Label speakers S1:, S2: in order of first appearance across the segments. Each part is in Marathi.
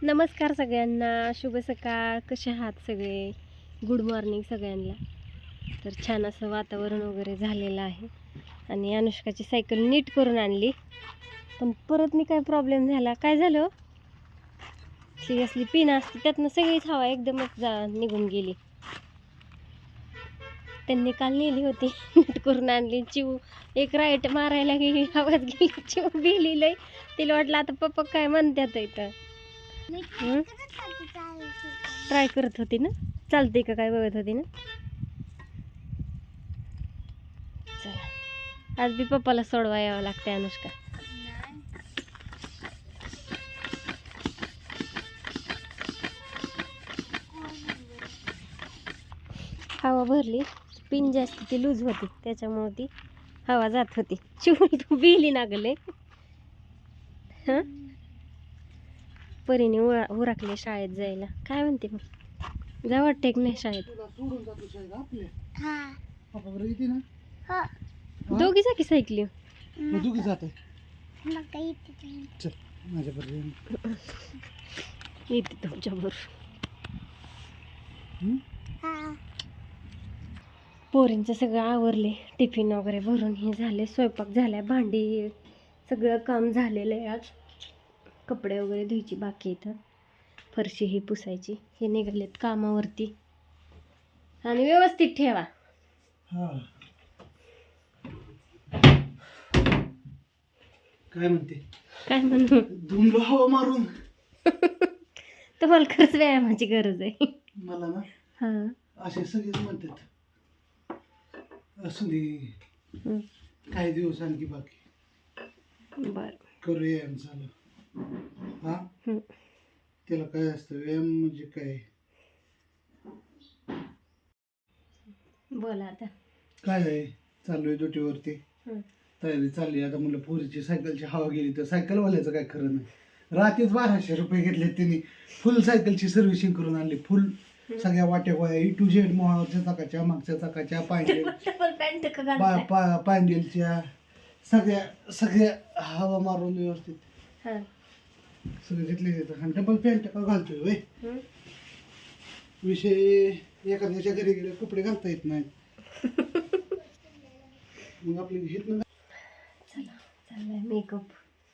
S1: नमस्कार सगळ्यांना, शुभ सकाळ. कसे आहात सगळे? गुड मॉर्निंग सगळ्यांना. तर छान असं वातावरण वगैरे झालेलं आहे आणि अनुष्काची सायकल नीट करून आणली, पण परत मी काय प्रॉब्लेम झाला. काय झालं? ती असली पिन असते त्यातनं सगळीच हवा एकदमच निघून गेली. त्यांनी काल नेली होती, नीट करून आणली. चिव एक राईट मारायला गेली, आवाज गेली, चिव भिली लय. तिला वाटलं आता पप्पा काय म्हणतात इथं. ट्राय करत होती ना, चालते का काय बघत होती ना. चला, आज बी पप्पाला सोडवा यावं लागतंय अनुष्का. हवा भरली, पिन जास्त ती लूज होती त्याच्यामुळे ती हवा जात होती. चिवून तू बिली नागले. हां, परीने उरकले शाळेत जायला. काय म्हणते मग, जा वाटते की नाही शाळेत? दोघी जा की सायकली.
S2: दोघी जाते
S1: येते तुमच्याबरोबर. पोरींचं सगळं आवरले, टिफिन वगैरे भरून हे झाले, स्वयंपाक झाला, भांडी सगळं काम झालेलं आहे. आज कपडे वगैरे धुयची बाकी इथं, फरशी ही पुसायची. हे निघालेत कामावरती. आणि व्यवस्थित ठेवा.
S2: काय म्हणते?
S1: काय म्हणू,
S2: धुंदलो हवा मारून.
S1: तुम्हाला खरंच व्यायामाची गरज आहे.
S2: मला ना
S1: हां,
S2: असे सगळेच म्हणतात, असू दे काही दिवस आणखी बाकी,
S1: बर.
S2: करू व्यायाम चालू. हा, त्याला काय असतं व्यायाम म्हणजे काय?
S1: बोला आता.
S2: काय आहे, चालू आहे ड्युटीवरती, तयारी चालली. आता म्हणलं पोरीची सायकलची हवा गेली तर सायकलवाल्याचं काय खरं नाही. रात्रीच 1200 रुपये घेतले त्यांनी, फुल सायकलची सर्व्हिसिंग करून आणली. फुल सगळ्या वाट्या गोळ्या E to Z, मोहाच्या चाकाच्या, मागच्या चाकाच्या, पॅन्डेलच्या सगळ्या हवा मारून व्यवस्थित सगळे घेतले जातात. आणि डबल पॅन्ट का घालतोय वय विषय, एखाद्याच्या घरी गेले कपडे घालता येत नाहीत. मग आपली घेत ना.
S1: चला, चाललाय मेकअप.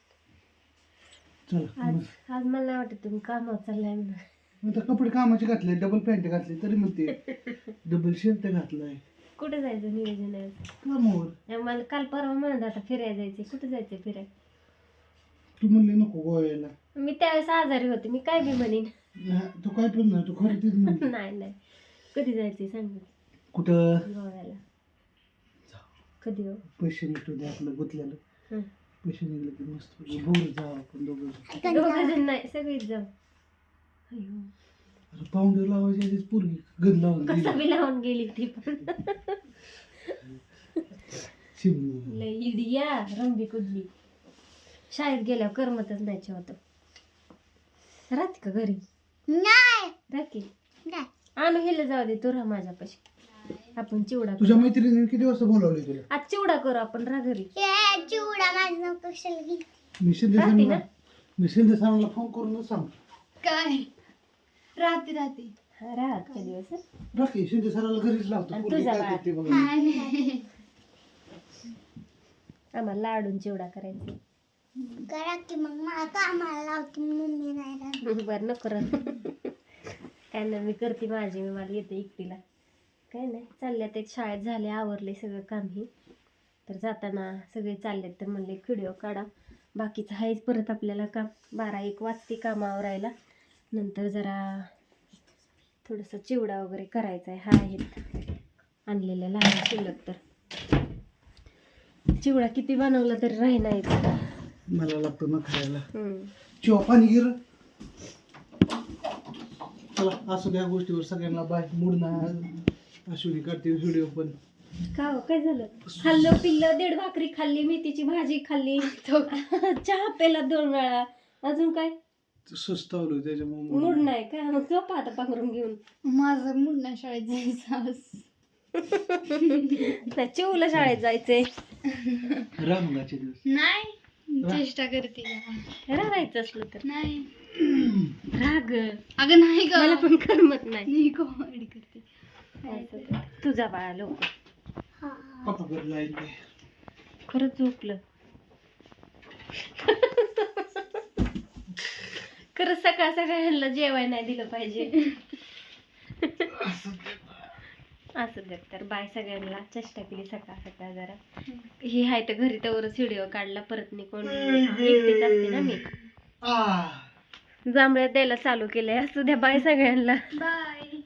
S2: चला
S1: आज मला नाही वाटत तुम्ही कामावर चाललाय म्हणून.
S2: आता कपडे कामाचे घातले, डबल पॅन्ट घातली तरी म्हणते डबल शर्ट घातलाय.
S1: कुठे जायचं नियोजन आहे?
S2: कामावर.
S1: मला काल परवा म्हणत आता फिरायला जायचे. कुठे जायचं फिरायला?
S2: तू म्हणली नको गोव्याला.
S1: मी त्यावेळेस आजारी होते, मी काय बी म्हणेन.
S2: तू काय पण नाही, तू खरं तेच म्हणते.
S1: नाही, कधी जायचंय सांग.
S2: कुठं?
S1: गोव्याला. कधी हो?
S2: पैसे निघतो दे आपलं गुतल्याला. पैसे निघले की मस्त बोर जाऊ आपण दोघं.
S1: दोघं नाही, सगळीच जाऊ.
S2: पाऊंडर लावायची आधीच पोरगी गन लावून
S1: कसं बी लावून गेली ती पण.
S2: शिमला
S1: लय इडिया रंबी कुदली. शाळेत गेल्यावर करमतच नाही होतं. राहते का घरी? नाही राहते. आणू हेला जाऊ दे, तू राहा माझ्यापाशी. आपण चिवडा करू.
S2: तुझ्या मैत्रिणीने किती वाजता बोलावले तुला?
S1: आज चिवडा करू आपण, राहा घरी.
S2: चिवडा मी शिंदे सरांना फोन करूनच सांग.
S1: काय राहते राहते दिवस
S2: राखी शिंदे सराला घरीच लावतो.
S1: आम्हाला लाडून चिवडा करायचा.
S3: करा की मग मला कामाला लावते, मम्मी नाही.
S1: बरं नको काय नाही, मी करते माझी, मी मला येते एकटीला. काय नाही, चालल्यात एक शाळेत झाले, आवरले सगळं काम ही. तर जाताना सगळे चाललेत तर म्हणले व्हिडिओ काढा. बाकीचं आहेच परत आपल्याला काम. 12-1 वाजते काम आवरायला. नंतर जरा थोडंसं चिवडा वगैरे करायचा आहे. हा आहेत आणलेल्या लहान शिल्लक. तर चिवडा किती बनवला तरी राही नाही.
S2: मला लागतो ना खायला. चिवा पाणी गिर. चला असं त्या गोष्टीवर सगळ्यांना बाय. मूड नाही, अश्विनी करते व्हिडिओ पण.
S1: का हो, काय झालं? खाल्लं पिल्लं, 1.5 भाकरी खाल्ली, मेथीची भाजी खाल्ली, चहा पेला 2 वेळा. अजून काय
S2: सुस्तावलो त्याच्यामुळे
S1: मूड नाही का? मग झोपा आता पांघरून घेऊन.
S3: माझं मूड नाही शाळेत जायचं.
S1: चिवला शाळेत जायचंय.
S2: रामगाचे दिवस
S3: नाही, चेष्टा करते.
S1: राहायचं असलं तर
S3: नाही
S1: अगं
S4: अगं नाही ग
S1: मला पण करमत नाही
S4: मी कॉमेडी करते
S1: असं कर. तुझा बाळा लोक
S2: पप्पा घरी लाईन नाही.
S1: खरंच झोपलं खरंच सकाळ सकाळला जेवाय नाही दिलं पाहिजे असं देत तर बाय सगळ्यांना चेष्टा केली सकाळ सकाळ जरा ही हाय तर घरी तवरच व्हिडिओ काढला परत नाही कोण एकटीच असते ना मी
S2: आ
S1: जांभळ्यात द्यायला चालू केलंय असू द्या बाय सगळ्यांना
S4: बाय